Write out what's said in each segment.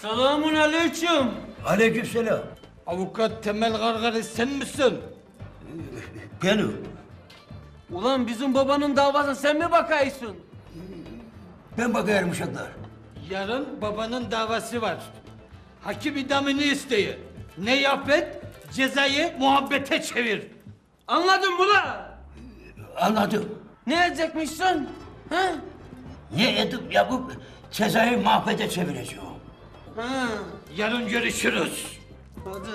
Selamun aleyküm. Aleykümselam. Avukat Temel Gargari sen misin? Benim. Ulan bizim babanın davasına sen mi bakaysın? Ben bakıyorum uşaklar. Yarın babanın davası var. Hakim idamını isteyi. Ne yap et? Cezayı muhabbete çevir. Anladın mı lan? Anladım. Ne edecekmişsin? Ha? Ne edip yapıp cezayı mahvede çevireceğim. Ha. Yarın görüşürüz. Hadi.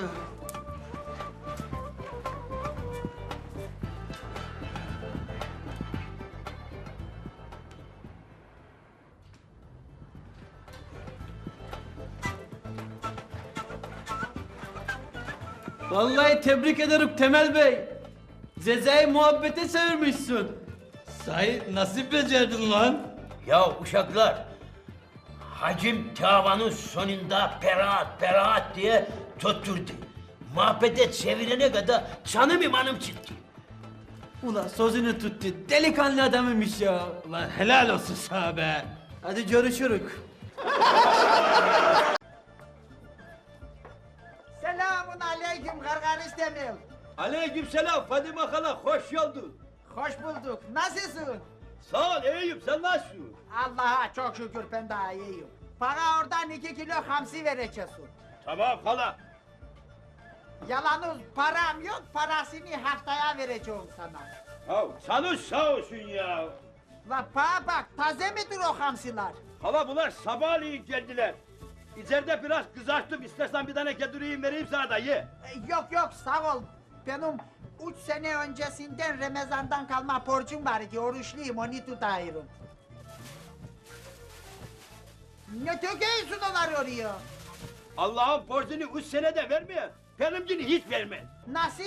Vallahi tebrik ederim Temel Bey. Cezayı muhabbete çevirmişsin. Sahi nasıl becerdin lan? Ya uşaklar, hacim davanın sonunda beraat diye tutturdu. Mahvede çevirene kadar canım imanım çıktı. Ulan sözünü tuttu. Delikanlı adamıymış ya. Ulan helal olsun sana be. Hadi görüşürük. Selamun aleyküm Gargaris Temel. Aleykümselam Fadime hala, hoş geldin. Hoş bulduk. Nasılsın? Sağ ol, iyiyim, sen nasılsın? Allah'a çok şükür ben daha iyiyim. Bana oradan 2 kilo hamsi vereceksin. Tamam hala. Yalnız param yok, parasını haftaya vereceğim sana. Ya canın sağ olsun ya. La bana bak, taze midir o hamsiler? Hala bunlar sabahleyin geldiler. İçeride biraz kızarttım, istersen bir tane kedurayım vereyim sana da ye. Yok sağ ol. Benim 3 sene öncesinden Ramazan'dan kalma borcum var ki oruçluyum, onu tutayım. Ne töküyorsun onları oraya? Allah'ın borcunu 3 senede vermiyor, benimkini hiç vermez. Nasıl?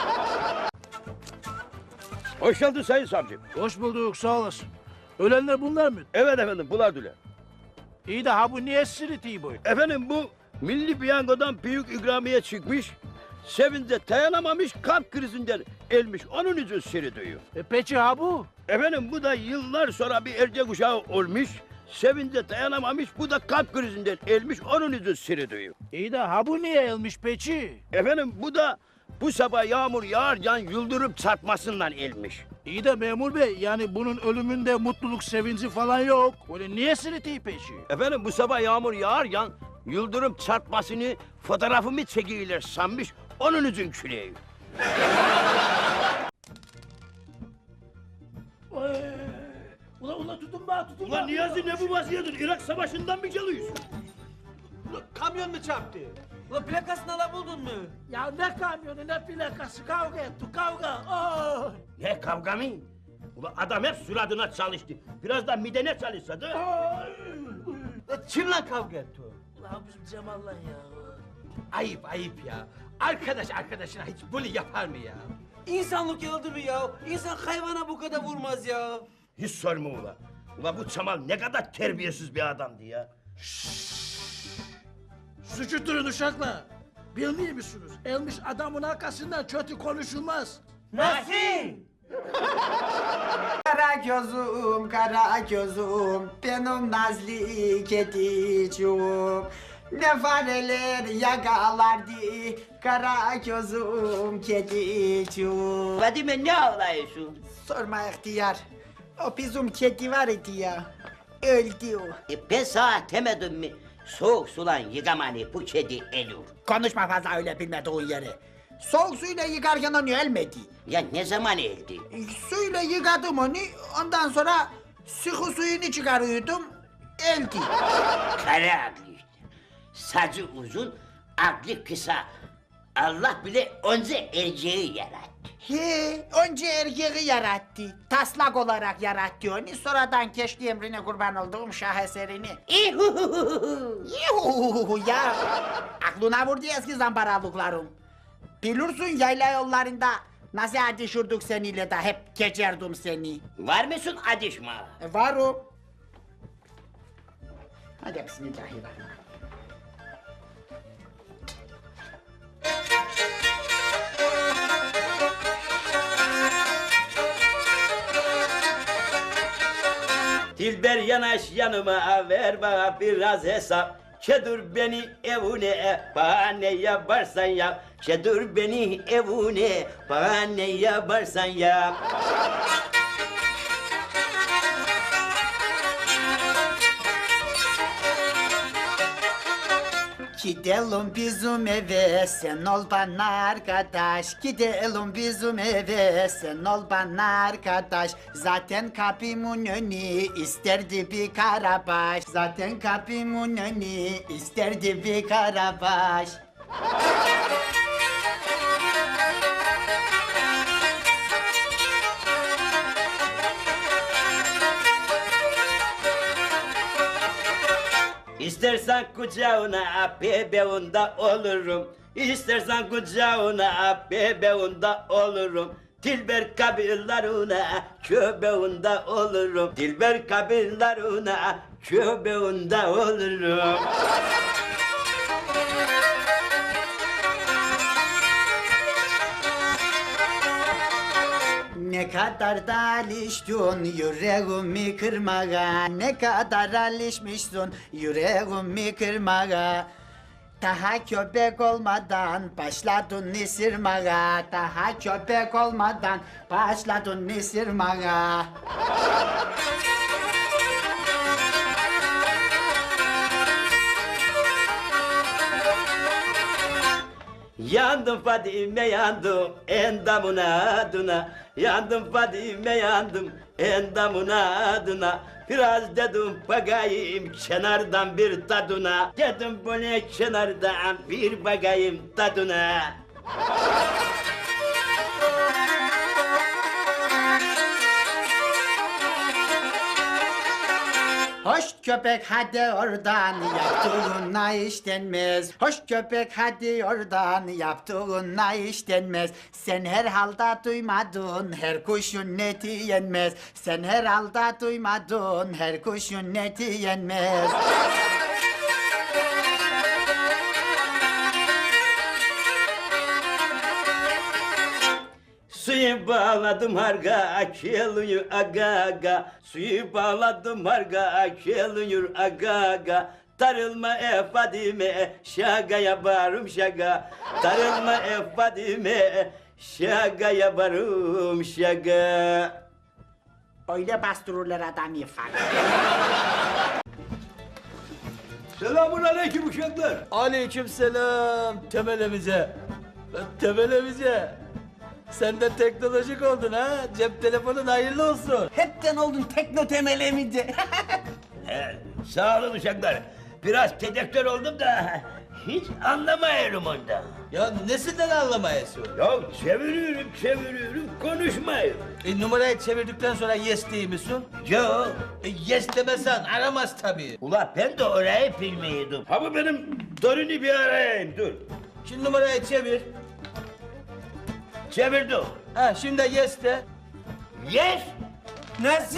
Hoş geldin Sayın Savcım. Hoş bulduk, sağ olasın. Ölenler bunlar mı? Evet efendim, bunlar düle. İyi de ha bu niye sırıtıyor bu? Efendim bu milli piyangodan büyük ikramiye çıkmış, sevince dayanamamış, kalp krizinden ölmüş, onun için seyrediliyor. Peki ha bu? Efendim bu da yıllar sonra bir erkek uşağı olmuş, sevince dayanamamış, bu da kalp krizinden ölmüş, onun için seyrediliyor. İyi de ha bu niye elmiş peki? Efendim bu da bu sabah yağmur yağarken yıldırım çarpmasından ölmüş. İyi de memur bey, yani bunun ölümünde mutluluk, sevinci falan yok. Öyle niye sırıtıyor peki? Efendim bu sabah yağmur yağarken yıldırım çarpmasını fotoğrafımı çekiyorlar sanmış, onun için küleği. Ulan tutun bana, tutun Ulan Niyazi ne bu vaziyetin? Irak Savaşı'ndan mı geliyorsun? Kamyon mu çarptı? Ulan plakasını alabildin mi? Ya ne kamyonu, ne plakası, kavga ettik, kavga. Oh! Ne kavga mı? Ulan adam hep suratına çalıştı. Biraz da midene çalışsa da. Kimle kavga etti o? Ulan bizim Cemal'la ya. Ayıp ya. Arkadaş arkadaşına hiç böyle yapar mı ya? İnsanlık yıldı mı ya? İnsan hayvana bu kadar vurmaz ya. Hiç sorma ula. Ula bu Çamal ne kadar terbiyesiz bir adamdı ya. Suçu durun uşaklar. Bilmiyor musunuz? Elmiş adamın arkasından kötü konuşulmaz. Nasıl? Kara gözüm, benim nazlı kediciğim. Ne fareler yakalardı, kara gözüm kediciğim. Fadime ne ağlıyorsun? Sorma ihtiyar, o bizim kedi var idi ya, öldü o. Ben sana demedim mi? Soğuk sulan yıkamanı bu kedi ölür. Konuşma fazla öyle bilmediğin yeri. Soğuk suyla yıkarken onu ölmedi. Ya ne zaman öldü? Suyla yıkadım onu, ondan sonra sıkı suyunu çıkarıyordum, öldü. Kara aklı işte. Saçı uzun, aklı kısa. Allah bile önce erceği yarattı. He, önce erkeği yarattı, taslak olarak yarattı onu, sonradan keşke emrine kurban olduğum şaheserini. İhuhuhuhu. Yuhuhuhu ya, aklına vurdu eski zambaralıklarım. Bilirsin yayla yollarında nasıl adışırdık seninle de hep geçerdim seni. Var mısın adışma? Varım. Hadi bismillahirrahmanirrahim. Dilber yanaş yanıma ver bana biraz hesap. Çedur beni evine, bana ne yaparsan yap. Çedur beni evine, bana ne yaparsan yap. Gidelim bizim eve, sen ol bana arkadaş. Gidelim bizim eve, sen ol bana arkadaş. Zaten kapımın önü isterdi bir karabaş. Zaten kapımın önü isterdi bir karabaş. İstersen kucağına bebeğunda olurum. İstersen kucağına bebeğunda olurum. Dilber kabirlerine köbeğinde olurum. Dilber kabirlerine köbeğinde olurum. Ne kadar da alıştın yüreğimi kırmaya. Ne kadar alışmışsın yüreğimi kırmaya. Daha köpek olmadan başladın ısırmaya. Daha köpek olmadan başladın ısırmaya. Yandım Fadime yandım endamına adına. Yandım Fadime yandım endamına adına. Biraz dedim bakayım kenardan bir tadına. Dedim bu ne kenardan bir bakayım tadına. Hoş köpek hadi oradan yaptığına iş denmez. Hoş köpek hadi oradan yaptığına iş denmez. Sen herhalde duymadın her kuşun eti yenmez. Sen herhalde duymadın her kuşun eti yenmez. Suyu bağladım harga geliyor aga aga. Suyu bağladım harga geliyor aga aga. Tarılma Fadime şaga yaparım şaga. Tarılma Fadime şaga yaparım şaga. Öyle bastırırlar adam ifade. Selamun aleyküm uşaklar. Aleykümselam temelimize. Temelimize. Sen de teknolojik oldun ha. Cep telefonun hayırlı olsun. Hepten oldun tekno temelemici. Sağ olun uşaklar. Biraz tedektör oldum da hiç anlamıyorum ondan. Ya nesinden anlamayasın? Ya çeviriyorum konuşmuyor. Numarayı çevirdikten sonra yes değil misin? Yo. Yes demesen aramaz tabii. Ula ben de orayı bilmiyordum. Ha bu benim Dorin'i bir arayayım dur. Şimdi numarayı çevir. Çevirdim. Ha şimdi yes de. Yes. Nasıl?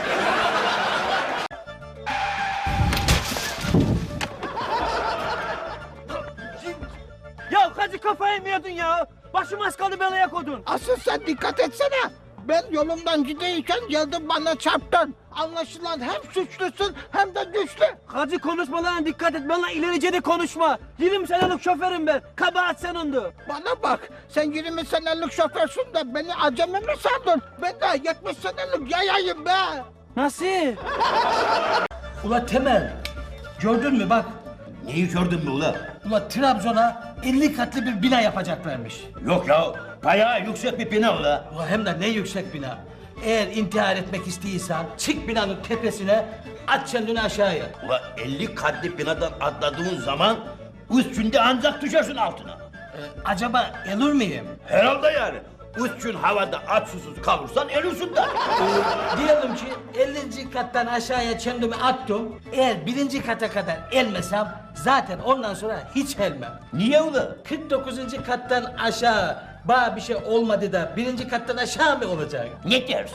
Ya Hacı kafayı mı yedin ya? Başım az kaldı belaya kodun. Asıl sen dikkat etsene. Ben yolumdan gideyken geldin bana çarptın. Anlaşılan hem suçlusun hem de güçlü. Hacı konuşmalarına dikkat et. Bana ilerice de konuşma. 20 senelik şoförüm ben. Kabahat senindu. Bana bak, sen 20 senelik şoförsün de beni acemi mi sandın? Ben de 70 senelik yayayım be. Nasıl? Ula Temel. Gördün mü bak. Neyi gördün mü ula? Ula Trabzon'a 50 katlı bir bina yapacaklarmış. Yok ya bayağı yüksek bir bina ula. Ula hem de ne yüksek bina. Eğer intihar etmek istiyorsan çık binanın tepesine at kendini aşağıya. Ula 50 katlı binadan atladığın zaman 3 günde ancak düşersin altına. Acaba ölür müyüm? Herhalde yani. 3 gün havada aç susuz kalırsan ölürsün de. Diyelim ki 50. kattan aşağıya kendimi attım. Eğer 1. kata kadar elmesem zaten ondan sonra hiç elmem. Niye ula? 49. kattan aşağı bana bir şey olmadı da 1. kattan aşağı mı olacak? Ne dersin?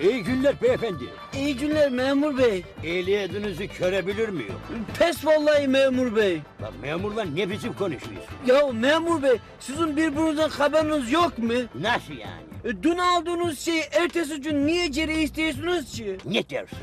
İyi günler beyefendi. İyi günler memur bey. Ehliyetinizi görebilir miyim? Pes vallahi memur bey. Lan memurla ne biçim konuşuyorsun? Ya memur bey, sizin birbirinizden haberiniz yok mu? Nasıl yani? Dün aldığınız şeyi ertesi gün niye geri istiyorsunuz ki? Ne dersin?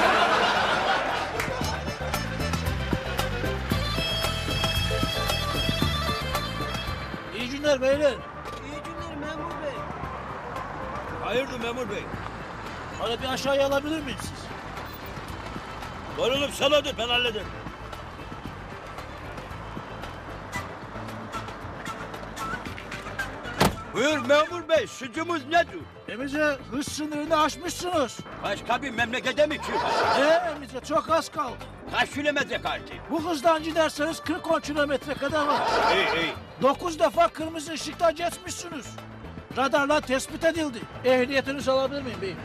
İyi günler beyler. İyi günler memur bey. Hayırdır memur bey? Bana bir aşağıya alabilir miyiz siz? Var oğlum sen hadi ben hallederim. Buyur memur bey, suçumuz nedir? Emice hız sınırını aşmışsınız. Başka bir memlekete mi çıkıyorsun? Emice çok az kaldı. Kaç kilometre kaldı? Bu hızdan giderseniz 40-10 kilometre kadar var. İyi. 9 defa kırmızı ışıkta geçmişsiniz. Radarla tespit edildi. Ehliyetinizi alabilir miyim beyim?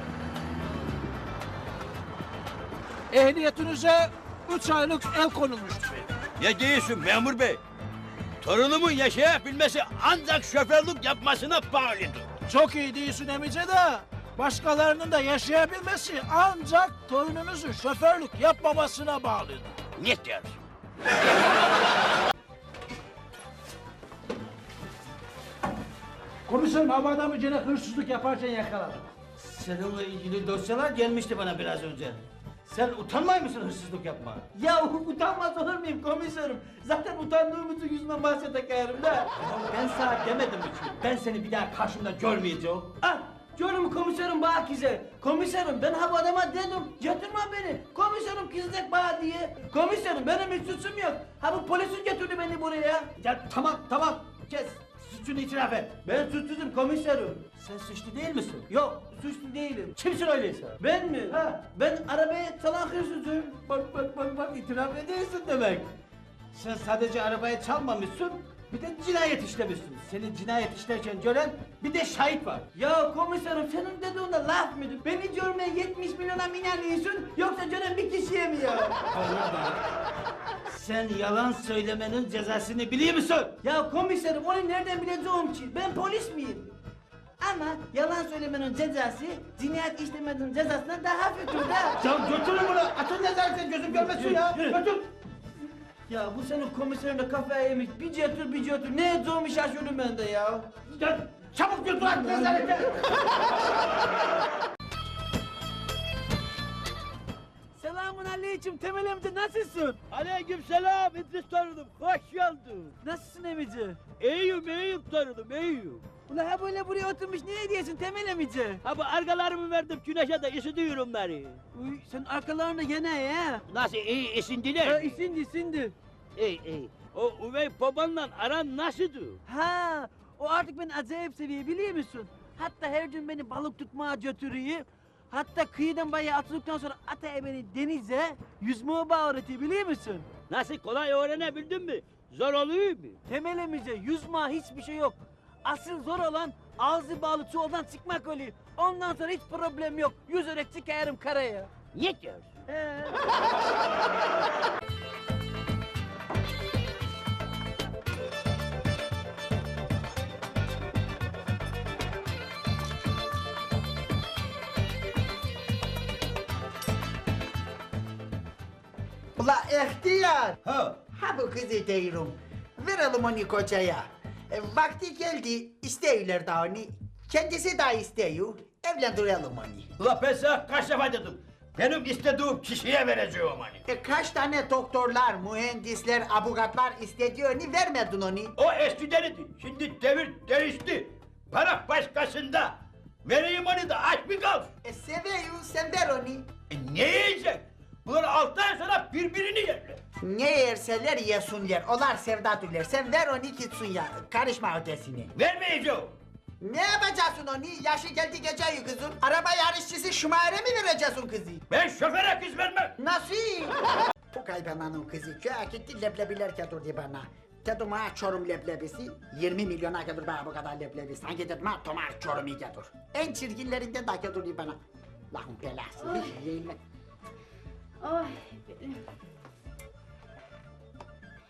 Ehliyetinize 3 aylık el konulmuştur beyim. Ne diyorsun memur bey? Torunumun yaşayabilmesi ancak şoförlük yapmasına bağlıdır. Çok iyi değilsin Emice de başkalarının da yaşayabilmesi ancak torununuzun şoförlük yapmamasına bağlıdır. Ne dersin? Komiserim havada mı gene hırsızlık yaparken yakaladım. Seninle ilgili dosyalar gelmişti bana biraz önce. Sen utanmay mısın hırsızlık yapma? Ya utanmaz olur muyum komiserim? Zaten utandığım için yüzüme bahse takarım da. Ya ben sana demedim mi ki? Ben seni bir daha karşımda görmeyeceğim. Ah! Görüm komiserim bana güzel. Komiserim ben ha bu adama dedim. Götürme beni. Komiserim kızacak bana diye. Komiserim benim hiç suçum yok. Ha bu polisin götürdü beni buraya. Ya tamam. Kes. Suçunu itiraf et. Ben suçsuzum komiserim. Sen suçlu değil misin? Yok, suçlu değilim. Kimsin öyleyse? Ben mi? Ha, ben arabaya çalan hırsızım. Bak itiraf ediyorsun demek. Sen sadece arabayı çalmamışsın, bir de cinayet işlemişsin. Senin cinayet işlerken gören bir de şahit var. Ya komiserim senin dediğin de laf mıydı? Beni görmeye 70 milyona mı inanıyorsun yoksa gören bir kişiye mi ya? Sen yalan söylemenin cezasını biliyor musun? Ya komiserim onu nereden bileceğim ki? Ben polis miyim? Ama yalan söylemenin cezası cinayet işlemenin cezasından daha hafiftir de. Ya götürün bunu. Atın nezaretten gözüm görmesin ya. Götür. Ya bu senin komiserin de kafaya yemiş. Bir götür. Ne edeceğimi şaşırdım ben de ya. Ya, çabuk götür at nezarete. Selamun aleyküm Temel amca nasılsın? Aleykümselam İdris torunum, hoş geldin. Nasılsın emici? İyiyim torunum, iyiyim. Ulan ha böyle buraya oturmuş ne diyorsun Temel amici? Ha bu arkalarımı verdim güneşe de ısıtıyorum bari. Uy sen arkalarında gene ya. Nasıl iyi esindiler? Ha isindi. İyi. O üvey babanla aran nasıldı? Ha o artık beni acayip seviyor biliyor musun? Hatta her gün beni balık tutmaya götürüyor. Hatta kıyıdan bayağı atıldıktan sonra ataya beni denize yüzmeye öğretiyor biliyor musun? Nasıl kolay öğrenebildin mi? Zor oluyor mu? Temel amici yüzme hiçbir şey yok. Asıl zor olan ağzı bağlı çuvaldan çıkmak oluyor. Ondan sonra hiç problem yok. Yüzerek çıkarım karaya. Ne diyorsun? He. Ula ihtiyar. Ha. Ha bu kızı diyorum. Verelim onu kocaya. Vakti geldi istiyorlar da onu. Kendisi de istiyor. Evlendirelim onu. Ula ben sana kaç defa dedim. Benim istediğim kişiye vereceğim onu. Kaç tane doktorlar, mühendisler, avukatlar istediği onu vermedin onu. O eskiden şimdi devir değişti. Para başkasında. Vereyim onu da aç mı kalsın? Seviyor, sen ver onu. Ne yiyecek? Bunlar 6 ay sonra birbirini yerler. Ne yerseler yesinler, onlar sevdadırlar. Sen ver onu gitsin ya, karışma ötesine. Vermeyeceğim. Ne yapacaksın onu? Yaşı geldi geceyi kızım. Araba yarışçısı Şumar'e mi vereceksin kızı? Ben şoföre kız vermem. Nasıl? Bu kaybananın kızı köye gitti leblebiler getirdi bana. Dedim ha Çorum leblebisi 20 milyona getir bana bu kadar leblebi. Sanki dedim ha Tomar Çorum'u getir. En çirkinlerinden de getirdi bana. Lahum belası. Bir yeğenle. Ay.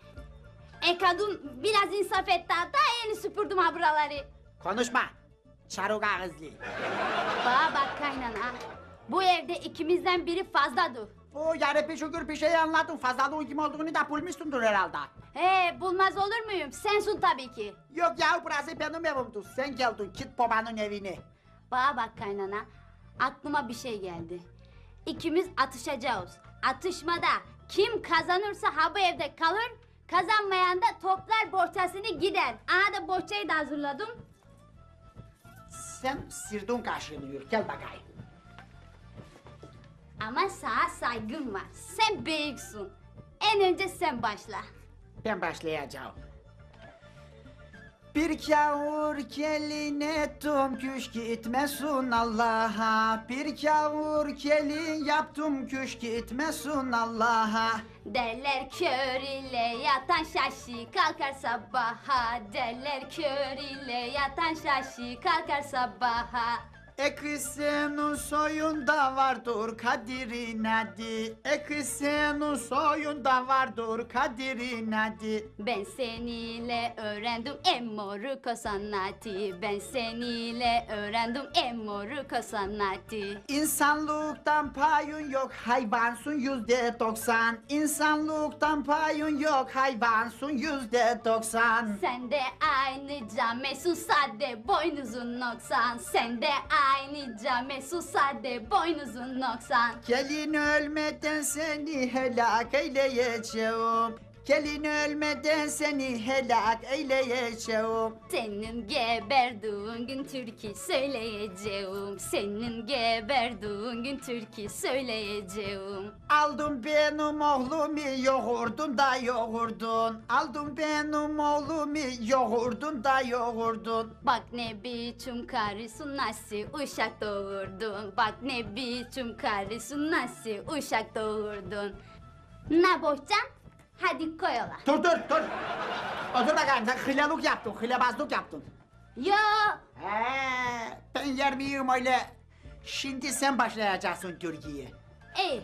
Kadın biraz insaf etti hatta yeni süpürdüm ha buraları. Konuşma. Çaruk ağızlı. Bana bak kaynana. Bu evde ikimizden biri fazladır. O yarabbi şükür bir şey anladım. Fazlalığın kim olduğunu da bulmuşsundur herhalde. He bulmaz olur muyum? Sensun tabii ki. Yok ya burası benim evimdir. Sen geldin git babanın evine. Bana bak kaynana. Aklıma bir şey geldi. İkimiz atışacağız. Atışmada kim kazanırsa ha bu evde kalır. Kazanmayan da toplar bohçasını gider. Aha da bohçayı da hazırladım. Sen sirdun kaşınıyor. Gel bakayım. Ama sana saygım var. Sen büyüksün. En önce sen başla. Ben başlayacağım. Bir kavur gelin ettim küş gitmesin Allah'a. Bir kavur gelin yaptım küş gitmesin Allah'a. Derler kör ile yatan şaşı kalkar sabaha. Derler kör ile yatan şaşı kalkar sabaha. Kız senin soyunda vardır kadirin adı. Kız senin soyunda vardır kadirin adı. Ben seniyle öğrendim emmoruko sanatı. Ben seniyle öğrendim emmoruko sanatı. İnsanlıktan payın yok hayvansın %90. İnsanlıktan payın yok hayvansın %90. Sen de aynı camesun sade boynuzun noksan. Sen de aynı camesun sade boynuzun noksan. Gelin ölmeden seni helak eyleyeceğim. Gelin ölmeden seni helak eyleyeceğim. Senin geberdiğin gün türkü söyleyeceğim. Senin geberdiğin gün türkü söyleyeceğim. Aldın benim oğlumu yoğurdun da yoğurdun. Aldın benim oğlumu yoğurdun da yoğurdun. Bak ne biçim karısın nasıl uşak doğurdun. Bak ne biçim karısın nasıl uşak doğurdun. Ne bohçam? Hadi koyola. Dur. Otur bakayım sen hılalık yaptın, hılabazlık yaptın. Yo. Ben yer miyim öyle? Şimdi sen başlayacaksın Türkiye. İyi.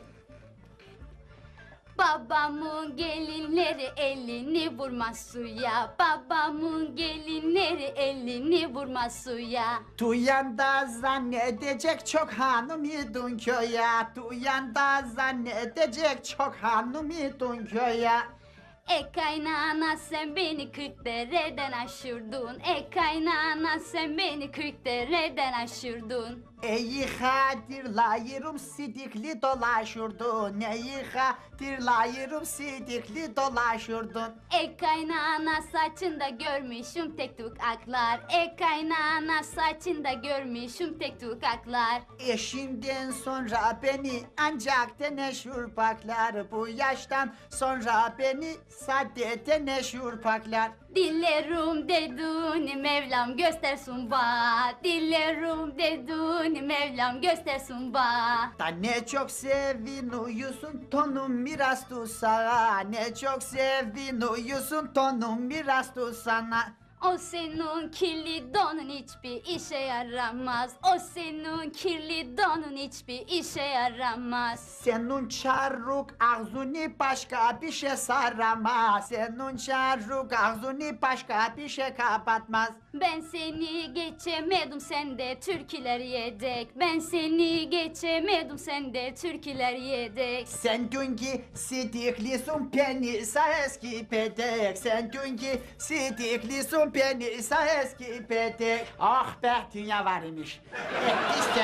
Babamın gelinleri elini vurmaz suya. Babamın gelinleri elini vurmaz suya. Duyan da zannedecek çok hanım idun köye. Duyan da zannedecek çok hanım idun köye. Kaynana sen beni 40 dereden aşırdın. Kaynana sen beni 40 dereden aşırdın. Eyi hatırlayırım sidikli dolaşırdın. Eyi hatırlayırım sidikli dolaşırdın. Kaynana saçında görmüşüm tek tük aklar. Kaynana saçında görmüşüm tek tük aklar. Eşimden sonra beni ancak teneşür paklar. Bu yaştan sonra beni sade teneşür paklar. Dillerim deduni Mevlam göstersin ba. Dillerim deduni Mevlam göstersin ba. Da ne çok sevin uyusun tonum miras sana. Ne çok sevin uyusun tonum miras sana. O senin kirli donun hiçbir işe yaramaz. O senin kirli donun hiçbir işe yaramaz. Senin çarruk ağzını başka bir şey saramaz. Senin çarruk ağzını başka bir şey kapatmaz. Ben seni geçemedim sen de türküler yedek. Ben seni geçemedim sen de türküler yedek. Sen dünkü sidiklisin beni eski pedek. Sen dünkü sidiklisin beni eski pedek. Ah be dünya var imiş. İşte.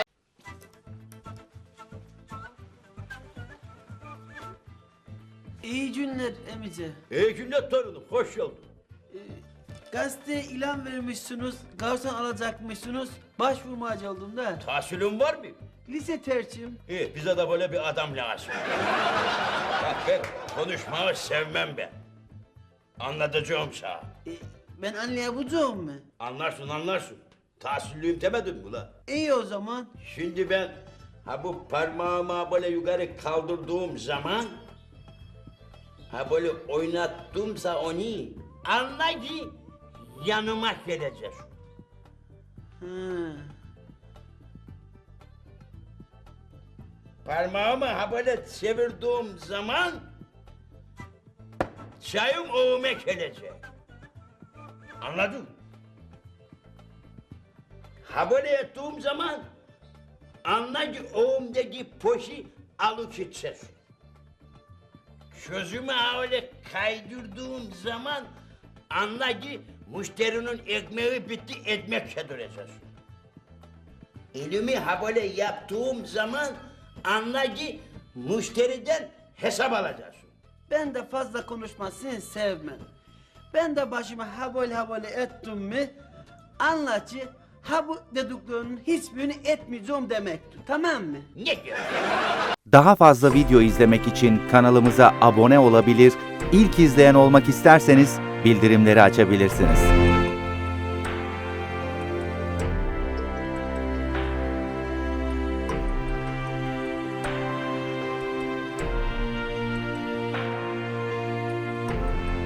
İyi günler emice. İyi günler torunum, hoş geldin. Gazeteye ilan vermişsiniz, garson alacakmışsınız. Başvurmacı oldum da. Tahsilin var mı? Lise tercihim. İyi, bize de böyle bir adam lazım. Bak ben konuşmayı sevmem ben. Anlatacağım sana. Ben anlayabileceğim mi? Anlarsın. Tahsilliyim demedim mi la? İyi o zaman. Şimdi ben bu parmağımı böyle yukarı kaldırdığım zaman böyle oynattımsa onu anla ki yanıma gelecek. Hı. Parmağımı böyle çevirdiğim zaman çayım oğuma gelecek. Anladın? ha böyle ettiğim zaman anla ki oğumdaki poşi alıp gideceksin. Sözümü ha öyle kaydırdığım zaman anla ki müşterinin ekmeği bitti, ekmek yedireceksin. Elimi ha böyle yaptığım zaman anla ki müşteriden hesap alacaksın. Ben de fazla konuşmasını sevmem. Ben de başımı ha böyle ettim mi anla ki ha bu dediklerinin hiçbirini etmeyeceğim demektir. Tamam mı? Ne diyorsun? Daha fazla video izlemek için kanalımıza abone olabilir, ilk izleyen olmak isterseniz bildirimleri açabilirsiniz.